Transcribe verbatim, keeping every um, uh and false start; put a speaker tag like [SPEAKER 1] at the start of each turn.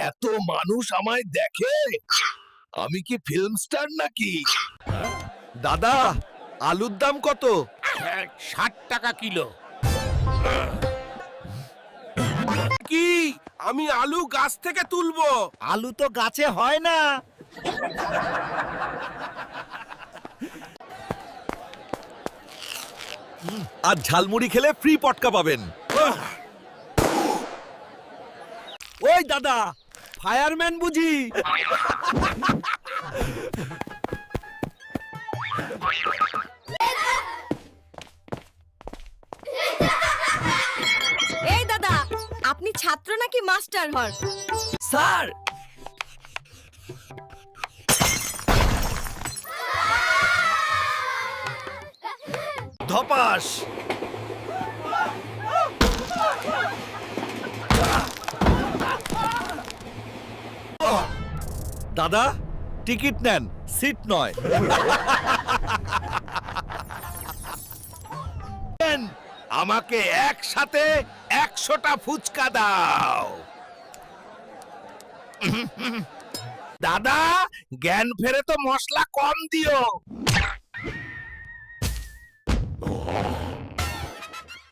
[SPEAKER 1] এত মানুষ আমায় দেখে, আমি কি ফিল্ম স্টার নাকি?
[SPEAKER 2] দাদা, আলুর দাম কত?
[SPEAKER 1] ষাট টাকা কিলো।
[SPEAKER 2] কি, আমি আলু গাছ থেকে তুলবো?
[SPEAKER 3] আলু তো গাছে হয় না।
[SPEAKER 2] আর ঝালমুড়ি খেলে ফ্রি পটকা পাবেন।
[SPEAKER 3] ওই দাদা, ফায়ারম্যান বুঝি?
[SPEAKER 4] এই দাদা, আপনি ছাত্র নাকি মাস্টার হন?
[SPEAKER 3] স্যার,
[SPEAKER 2] ধপাস। দাদা, টিকিট নেন, সিট নয়।
[SPEAKER 1] আমাকে একসাথে একশোটা ফুচকা দাও। দাদা, জ্ঞান ফেরে তো মশলা কম দিও।